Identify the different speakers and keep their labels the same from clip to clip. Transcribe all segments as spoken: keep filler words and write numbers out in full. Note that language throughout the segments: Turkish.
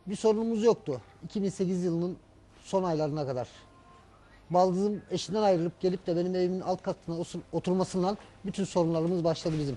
Speaker 1: bir sorunumuz yoktu. iki bin sekiz yılının son aylarına kadar. Baldızım eşinden ayrılıp gelip de benim evimin alt katına oturmasından bütün sorunlarımız başladı bizim.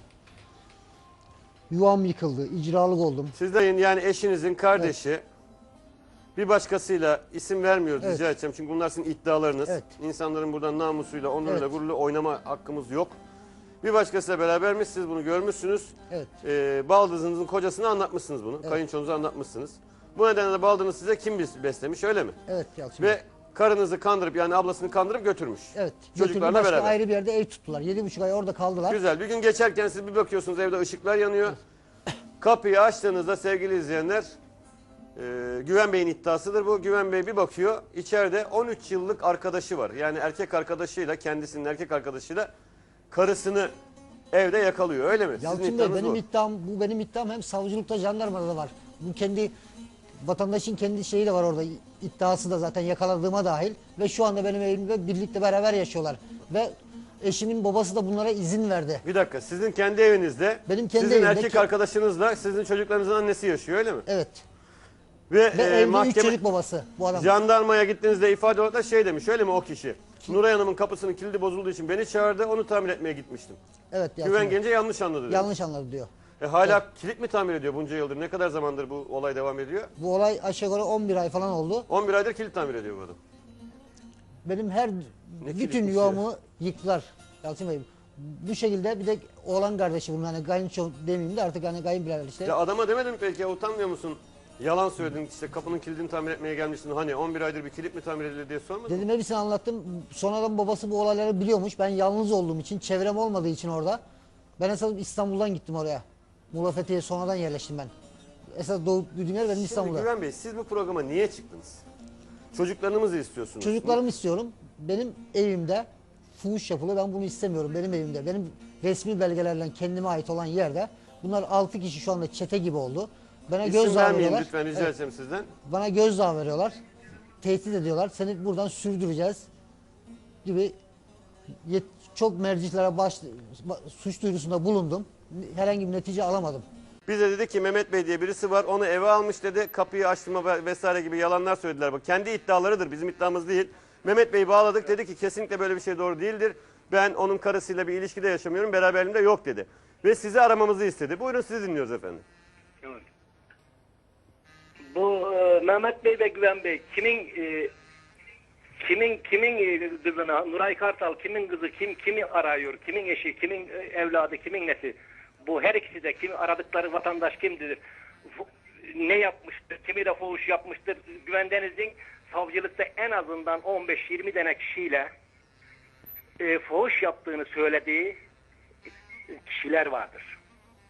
Speaker 1: Yuvam yıkıldı, icralık oldum.
Speaker 2: Sizlerin yani eşinizin kardeşi evet. bir başkasıyla isim vermiyoruz evet. rica edeceğim. Çünkü bunlar sizin iddialarınız. Evet. İnsanların buradan namusuyla, onuruyla, evet. gururuyla oynama hakkımız yok. Bir başkasıyla berabermiş, siz bunu görmüşsünüz. Evet. Ee, baldızınızın kocasına anlatmışsınız bunu. Evet. Kayınçonuza anlatmışsınız. Bu nedenle de baldızınız size kim beslemiş öyle mi? Evet. Yalçın Ve Bey. karınızı kandırıp yani ablasını kandırıp götürmüş. Evet. Çocuklarla
Speaker 1: başka
Speaker 2: beraber.
Speaker 1: ayrı bir yerde ev tuttular. Yedi buçuk ay orada kaldılar.
Speaker 2: Güzel. Bir gün geçerken siz bir bakıyorsunuz evde ışıklar yanıyor. Evet. Kapıyı açtığınızda sevgili izleyenler e, Güven Bey'in iddiasıdır bu. Güven Bey bir bakıyor içeride on üç yıllık arkadaşı var. Yani erkek arkadaşıyla kendisinin erkek arkadaşıyla karısını evde yakalıyor öyle mi?
Speaker 1: Yalçın Bey benim bu. iddiam bu benim iddiam hem savcılıkta jandarmada da var. Bu kendi vatandaşın kendi şeyi de var orada iddiası da zaten yakaladığıma dahil ve şu anda benim evimde birlikte beraber yaşıyorlar ve eşimin babası da bunlara izin verdi.
Speaker 2: Bir dakika sizin kendi evinizde benim kendi sizin erkek ki... arkadaşınızla sizin çocuklarınızın annesi yaşıyor öyle mi?
Speaker 1: Evet.
Speaker 2: Ve,
Speaker 1: ve
Speaker 2: e,
Speaker 1: evde
Speaker 2: mahkeme...
Speaker 1: üç çocuk babası bu adam.
Speaker 2: Jandarmaya gittiğinizde ifade olarak da şey demiş öyle mi o kişi? Kim? Nuray Hanım'ın kapısının kilidi bozulduğu için beni çağırdı onu tamir etmeye gitmiştim. Evet. Güven gelince yanlış anladı diyor.
Speaker 1: Yanlış anladı diyor.
Speaker 2: E hala evet. kilit mi tamir ediyor bunca yıldır? Ne kadar zamandır bu olay devam ediyor?
Speaker 1: Bu olay aşağı yukarı on bir ay falan oldu.
Speaker 2: on bir aydır kilit tamir ediyor bu adam.
Speaker 1: Benim her ne bütün yuvamı yıktılar Yalçın Bey. Bu şekilde bir de oğlan kardeşi bunun hani kayınço demeyeyim de artık hani kayınbirader işte.
Speaker 2: Ya adama demedim peki ya utanmıyor musun? Yalan söyledin işte kapının kilidini tamir etmeye gelmiştin. Hani on bir aydır bir kilit mi tamir edilir diye sormadın
Speaker 1: Dedim hepsini anlattım. Sonradan babası bu olayları biliyormuş. Ben yalnız olduğum için çevrem olmadığı için orada. Ben esas İstanbul'dan gittim oraya. Muğla Fethiye'ye sonradan yerleştim ben. Esas doğup büyüdüğüm yer benim İstanbul'da.
Speaker 2: Güven Bey siz bu programa niye çıktınız? Çocuklarınızı istiyorsunuz.
Speaker 1: Çocuklarımı istiyorum. Benim evimde fuhuş yapılıyor. Ben bunu istemiyorum benim evimde. Benim resmi belgelerle kendime ait olan yerde. Bunlar altı kişi şu anda çete gibi oldu. Bana
Speaker 2: İsim
Speaker 1: gözdağı veriyorlar.
Speaker 2: Lütfen rica evet. etsem sizden.
Speaker 1: Bana gözdağı veriyorlar. Tehdit ediyorlar. Seni buradan sürdüreceğiz gibi çok merciklere baş, suç duyurusunda bulundum. Herhangi bir netice alamadım.
Speaker 2: Bize dedi ki Mehmet Bey diye birisi var onu eve almış dedi. Kapıyı açtırma vesaire gibi yalanlar söylediler. Bak kendi iddialarıdır bizim iddiamız değil. Mehmet Bey'i bağladık dedi ki kesinlikle böyle bir şey doğru değildir. Ben onun karısıyla bir ilişkide yaşamıyorum beraberliğimde yok dedi. Ve sizi aramamızı istedi. Buyurun sizi dinliyoruz efendim.
Speaker 3: Evet. Bu e, Mehmet Bey ve Güven Bey kimin e, kimin kimin e, kızına Nuray Kartal kimin kızı kim kimi arıyor kimin eşi kimin e, evladı kimin nesi bu her ikisi de kim aradıkları vatandaş kimdir ne yapmıştır kimi de fuhuş yapmıştır Güven Deniz'in savcılıkta en azından on beş yirmi tane kişiyle e, fuhuş yaptığını söylediği kişiler vardır.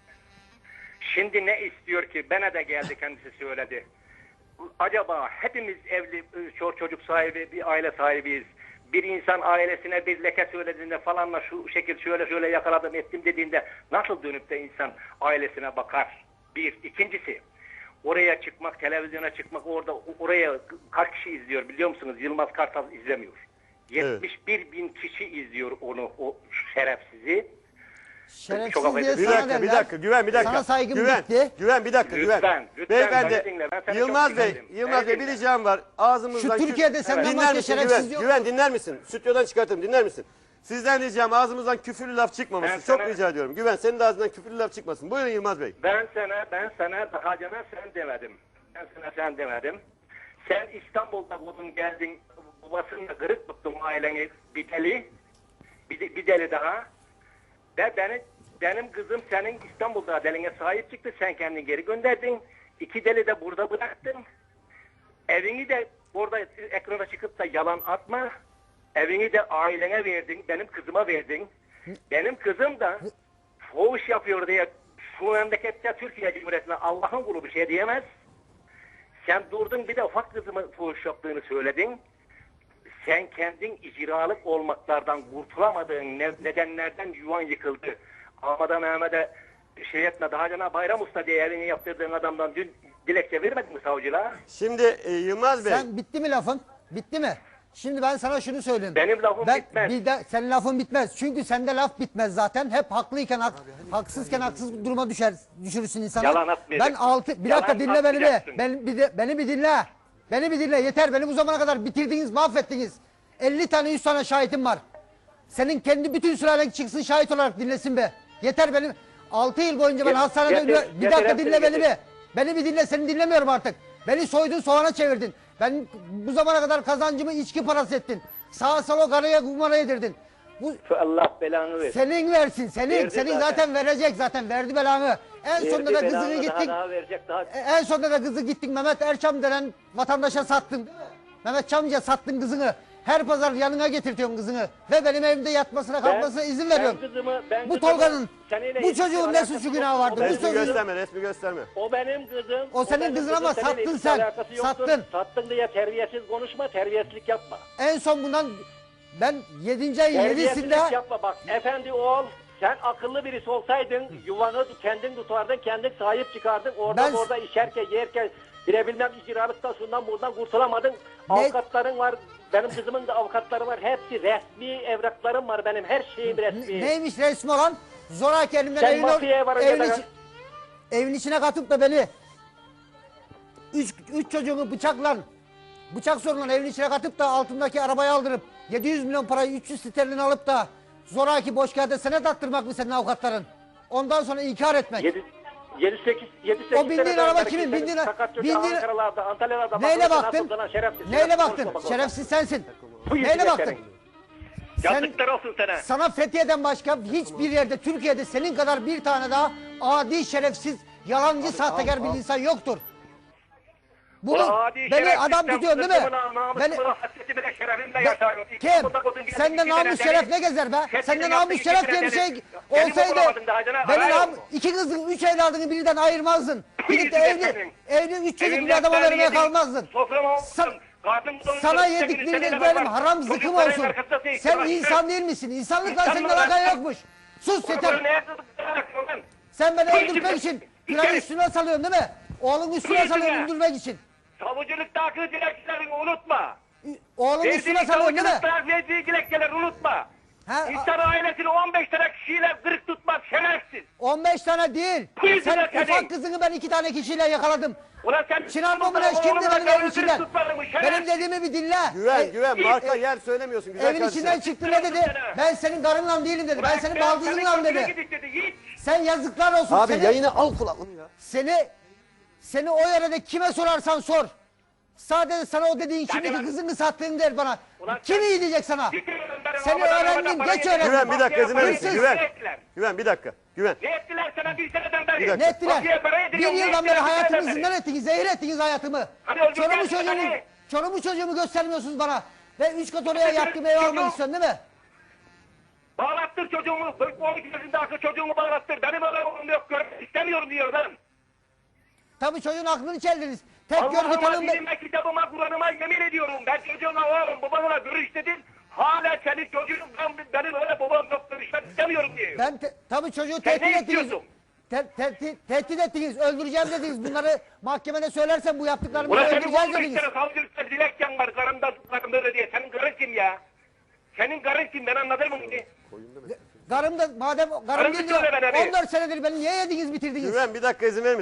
Speaker 3: Şimdi ne istiyor ki? Bana da geldi kendisi söyledi. Acaba hepimiz evli, çocuk çocuk sahibi, bir aile sahibiyiz. Bir insan ailesine bir leke söylediğinde falanla şu şekil şöyle şöyle yakaladım ettim dediğinde nasıl dönüp de insan ailesine bakar? Bir. İkincisi oraya çıkmak, televizyona çıkmak orada oraya kaç kişi izliyor biliyor musunuz? Yılmaz Kartal izlemiyor. yetmiş bir evet. bin kişi izliyor onu, o şerefsizi.
Speaker 1: Şerefsiz
Speaker 2: Çok
Speaker 1: diye
Speaker 2: bir dakika,
Speaker 1: derler.
Speaker 2: bir dakika, Güven, bir dakika.
Speaker 1: Sana saygım
Speaker 2: Güven,
Speaker 1: bitti.
Speaker 2: Güven, bir dakika, Güven.
Speaker 3: Lütfen, lütfen.
Speaker 2: Beyefendi, Yılmaz Bey, Yılmaz Bey bir ricam var. Ağzımızdan...
Speaker 1: Şu Türkiye'de senden
Speaker 2: evet.
Speaker 1: başka şerefsiz
Speaker 2: Güven,
Speaker 1: yok.
Speaker 2: Güven dinler misin? Stüdyodan çıkartırım, dinler misin? Sizden ricam ağzımızdan küfürlü laf çıkmaması. Ben Çok sana... rica ediyorum. Güven, senin de ağzından küfürlü laf çıkmasın. Buyurun Yılmaz Bey.
Speaker 3: Ben sana, ben sana daha cana sen demedim. Ben sana sen demedim. Sen İstanbul'da buldun geldin, babasınla kırık tuttun aileni bir deli. Bir, bir deli daha. Ve beni Benim kızım senin İstanbul'da deline sahip çıktı. Sen kendini geri gönderdin. İki deli de burada bıraktın. Evini de orada ekrana çıkıp da yalan atma. Evini de ailene verdin. Benim kızıma verdin. Benim kızım da fuhuş yapıyor diye şu memlekette Türkiye Cumhuriyeti'ne Allah'ın kulu bir şey diyemez. Sen durdun bir de ufak kızımın fuhuş yaptığını söyledin. Sen kendin icralık olmaklardan kurtulamadığın nedenlerden yuvan yıkıldı. Ahmet'e Mehmet'e şey etme daha cana Bayram Usta diye evini yaptırdığın adamdan dün dilekçe vermedin mi savcılığa?
Speaker 2: Şimdi e, Yılmaz Bey.
Speaker 1: Sen bitti mi lafın? Bitti mi? Şimdi ben sana şunu söyleyeyim.
Speaker 3: Benim lafım
Speaker 1: ben,
Speaker 3: bitmez.
Speaker 1: Bir de, senin lafın bitmez. Çünkü sende laf bitmez zaten. Hep haklıyken hak, haksızken haksız duruma düşer düşürürsün insanı.
Speaker 3: Yalan atmayacaksın.
Speaker 1: Ben altı bir
Speaker 3: Yalan
Speaker 1: dakika dinle beni bir.
Speaker 3: atmayacaksın.
Speaker 1: Ben, bir de, beni bir dinle. Beni bir dinle. Yeter. Beni bu zamana kadar bitirdiniz, mahvettiniz. elli tane yüz tane şahitim var. Senin kendi bütün sülalen çıksın şahit olarak dinlesin be. Yeter benim. altı yıl boyunca ben
Speaker 3: Get-
Speaker 1: hastanede
Speaker 3: getir,
Speaker 1: ölüyor- Bir
Speaker 3: getir,
Speaker 1: dakika
Speaker 3: hepsini
Speaker 1: dinle beni
Speaker 3: getir.
Speaker 1: bir. Beni bir dinle, seni dinlemiyorum artık. Beni soydun, soğana çevirdin. Ben bu zamana kadar kazancımı içki parası ettin. Sağa sola karaya kumara yedirdin. Bu
Speaker 3: Allah belanı versin.
Speaker 1: senin versin, senin.
Speaker 3: Verdi
Speaker 1: senin
Speaker 3: zaten.
Speaker 1: zaten. verecek zaten. Verdi belanı. En
Speaker 3: Verdi
Speaker 1: sonunda da
Speaker 3: belanı,
Speaker 1: kızını
Speaker 3: daha
Speaker 1: gittin.
Speaker 3: daha verecek daha.
Speaker 1: E, En sonunda da kızı gittin Mehmet Erçam denen vatandaşa sattın. Değil mi? Mehmet Çamcı'ya sattın kızını. Her pazar yanına getirtiyorsun kızını. Ve benim evimde yatmasına kalkmasına izin veriyorsun.
Speaker 3: Ben kızımı, ben
Speaker 1: Bu
Speaker 3: kızımı
Speaker 1: Tolga'nın,
Speaker 3: seninle
Speaker 1: bu
Speaker 3: hiçbir
Speaker 1: çocuğun ne
Speaker 3: alakası
Speaker 1: suçu
Speaker 3: yok.
Speaker 1: günahı vardı?
Speaker 3: O
Speaker 1: Bu
Speaker 3: benim
Speaker 2: Resmi
Speaker 1: çocuğun...
Speaker 3: kızım.
Speaker 2: gösterme, resmi gösterme.
Speaker 3: O benim kızım.
Speaker 1: O senin
Speaker 3: benim
Speaker 1: kızın
Speaker 3: kızım,
Speaker 1: ama
Speaker 3: seninle
Speaker 1: sattın
Speaker 3: hiçbir
Speaker 1: sen.
Speaker 3: alakası yoktur.
Speaker 1: Sattın.
Speaker 3: Sattın diye terbiyesiz konuşma, terbiyesizlik yapma.
Speaker 1: En son bundan ben yedinci ayın
Speaker 3: Terbiyesizlik
Speaker 1: yedisinde
Speaker 3: yapma bak. Efendi oğul, sen akıllı birisi olsaydın yuvanı kendin tutardın, kendin sahip çıkardın. Orada
Speaker 1: Ben-
Speaker 3: orada işerken, yerken, bile bilmem icralıktan şundan buradan kurtulamadın. Avukatların var. Benim kızımın da avukatları var. Hepsi resmi evraklarım var benim. Her şeyim resmi.
Speaker 1: neymiş resmi olan? Zoraki elimden
Speaker 3: Sen
Speaker 1: evin,
Speaker 3: mafyaya varınca
Speaker 1: evin,
Speaker 3: da-
Speaker 1: içi- evin içine katıp da beni üç, üç çocuğumu bıçakla bıçak sorunla evin içine katıp da altındaki arabayı aldırıp yedi yüz milyon parayı üç yüz sterlin alıp da zoraki boş kağıda senet attırmak mı senin avukatların? Ondan sonra inkar etmek.
Speaker 3: yedi sekiz yedi sekiz
Speaker 1: O bindiğin araba kimin? Bindiğin- bindiğin-
Speaker 3: Ankara'larda, Antalya'larda
Speaker 1: Neyle
Speaker 3: bakılırsa
Speaker 1: baktın?
Speaker 3: nasıl sana şerefsiz,
Speaker 1: Neyle
Speaker 3: şerefsiz
Speaker 1: baktın?
Speaker 3: konuşma bak orada.
Speaker 1: Şerefsiz sensin.
Speaker 3: Bu
Speaker 1: Neyle
Speaker 3: yüzüne
Speaker 1: baktın?
Speaker 3: senin.
Speaker 1: Sen-
Speaker 3: Yazıklar olsun sana.
Speaker 1: Sana Fethiye'den başka hiçbir yerde Türkiye'de senin kadar bir tane daha adi şerefsiz, yalancı, sahtekar bir insan yoktur. Bunu
Speaker 3: Ulan adi
Speaker 1: beni
Speaker 3: şerefsiz,
Speaker 1: adam
Speaker 3: sen
Speaker 1: tutuyorsun değil mi?
Speaker 3: sırtımla, namusumla,
Speaker 1: Beni,
Speaker 3: hasretimle, şerefimle
Speaker 1: Ben-
Speaker 3: yaşıyorum. İki
Speaker 1: kim?
Speaker 3: kapıda kodun gibi
Speaker 1: Sende
Speaker 3: iki
Speaker 1: namus
Speaker 3: tane
Speaker 1: şeref
Speaker 3: deli.
Speaker 1: ne gezer be?
Speaker 3: Hepsini
Speaker 1: Sende
Speaker 3: yaptın,
Speaker 1: namus
Speaker 3: iki
Speaker 1: şeref
Speaker 3: tane
Speaker 1: diye bir şey
Speaker 3: deli. Kendimi
Speaker 1: olsaydı
Speaker 3: bulamadın daha, canım,
Speaker 1: beni
Speaker 3: arayın.
Speaker 1: nam iki kızın, üç evladını birden ayırmazdın. Gidip de
Speaker 3: yüzüne
Speaker 1: evli,
Speaker 3: senin.
Speaker 1: evli üç çocuk bir
Speaker 3: Evimden
Speaker 1: adama
Speaker 3: ben
Speaker 1: vermeye
Speaker 3: yedim,
Speaker 1: kalmazdın.
Speaker 3: Soframa
Speaker 1: Sa-
Speaker 3: oturdum. Karnım doydu,
Speaker 1: Sana
Speaker 3: sekiz,
Speaker 1: yedikleriniz
Speaker 3: sekiz
Speaker 1: benim
Speaker 3: var.
Speaker 1: haram zıkkım
Speaker 3: Çocukların
Speaker 1: olsun.
Speaker 3: arkasında değil,
Speaker 1: Sen
Speaker 3: bırak,
Speaker 1: insan
Speaker 3: bırak.
Speaker 1: değil misin? İnsanlıkla
Speaker 3: İnsan
Speaker 1: senin
Speaker 3: mı lan?
Speaker 1: alakan yokmuş. Sus
Speaker 3: Bunu
Speaker 1: yeter.
Speaker 3: neye tutuyorsun lan?
Speaker 1: Sen beni
Speaker 3: Bu
Speaker 1: öldürmek
Speaker 3: işin-
Speaker 1: için
Speaker 3: bir
Speaker 1: günahı
Speaker 3: kere-
Speaker 1: üstüne salıyorsun değil mi? Oğlun üstüne
Speaker 3: Bu
Speaker 1: salıyorsun
Speaker 3: işin-
Speaker 1: öldürmek için.
Speaker 3: Savuculukta akıl dilekçelerini unutma.
Speaker 1: Oğlun üstüne
Speaker 3: Verdiğin
Speaker 1: salıyorsun değil mi?
Speaker 3: savuculukta verdiği dilekçeleri unutma.
Speaker 1: Ha,
Speaker 3: İnsan ailesini on beş tane kişiyle kırık tutmaz şerefsiz.
Speaker 1: on beş tane değil.
Speaker 3: Bu yüzden
Speaker 1: Sen
Speaker 3: seni-
Speaker 1: ufak kızını ben iki tane kişiyle yakaladım.
Speaker 3: Ulan sen...
Speaker 1: Çınar Bomuleş
Speaker 3: Oğlum,
Speaker 1: kimdi
Speaker 3: oğlum,
Speaker 1: benim
Speaker 3: oğlum,
Speaker 1: evin içinden?
Speaker 3: tutmadın mı? Şerefsiz.
Speaker 1: Benim dediğimi bir dinle.
Speaker 2: Güven,
Speaker 1: E,
Speaker 2: güven. Marka yer söylemiyorsun güzel
Speaker 1: Evin
Speaker 2: kardeşim.
Speaker 1: içinden çıktı ne dedi? Ben senin karınla değilim dedi. Ben senin baldızınla dedi.
Speaker 3: dedi.
Speaker 1: Sen yazıklar olsun.
Speaker 2: Abi
Speaker 1: seni,
Speaker 2: yayını al kulaklığını ya.
Speaker 1: Seni, seni o yerde kime sorarsan sor. Sadece sana o dediğin
Speaker 3: Yani
Speaker 1: şimdiki
Speaker 3: ben-
Speaker 1: kızını sattığın der bana.
Speaker 3: Ulan
Speaker 1: Kim
Speaker 3: sen-
Speaker 1: iyi diyecek sana?
Speaker 3: Seni
Speaker 1: Seni öğrendim, geç öğrendim.
Speaker 2: Güven bir dakika izin verir misin?
Speaker 1: Hırsız.
Speaker 2: Güven. Güven bir dakika. Güven.
Speaker 3: Ne ettiler sana bir seneden beri?
Speaker 2: Bir dakika.
Speaker 1: Ne ettiler?
Speaker 3: Mafya para
Speaker 1: Bir
Speaker 3: ediliyor, ne
Speaker 1: yıldan
Speaker 3: ettiler
Speaker 1: beri
Speaker 3: bir
Speaker 1: hayatımı
Speaker 3: seneden
Speaker 1: zindan ettiniz, zehir ettiniz hayatımı.
Speaker 3: Hani öldürdüler
Speaker 1: Çorumu
Speaker 3: seni.
Speaker 1: çocuğumu, çorumu çocuğumu göstermiyorsunuz bana. Ve üç kat oraya yaptığım ev
Speaker 3: Çocuğum.
Speaker 1: almak istiyorsun değil mi?
Speaker 3: Bağlattır çocuğumu. on iki yaşında akıl çocuğumu bağlattır. Benim öyle oğlum yok. Görmek istemiyorum diyor ben.
Speaker 1: Tabii çocuğun aklını çeldiniz. Tek görgü
Speaker 3: Allah'ıma,
Speaker 1: tanım...
Speaker 3: dinime, kitabıma, Kur'an'ıma yemin ediyorum. Ben çocuğuma oğlum babanla görüş dedin. Hala senin çocuğun ben, benim öyle babam yok görüşmek istemiyorum diyor.
Speaker 1: Ben te, tabii çocuğu
Speaker 3: Sen
Speaker 1: tehdit
Speaker 3: ne
Speaker 1: ettiniz.
Speaker 3: istiyorsun?
Speaker 1: Te, te, tehdit ettiniz, öldüreceğim dediniz. Bunları mahkemede söylersem bu yaptıklarımı
Speaker 3: Ulan senin
Speaker 1: öldüreceğiz
Speaker 3: on beş
Speaker 1: dediniz.
Speaker 3: tane savcılıkta dilekçen var. Karımda tutlarımda öyle diye. Senin karın kim ya? Senin karın kim? Ben anladım onu.
Speaker 1: Karım da madem karım
Speaker 3: Karım
Speaker 1: değil
Speaker 3: söyle bana
Speaker 1: diyor,
Speaker 3: bir.
Speaker 1: on dört senedir beni niye yediniz bitirdiniz?
Speaker 2: Güven bir dakika izin verir misin?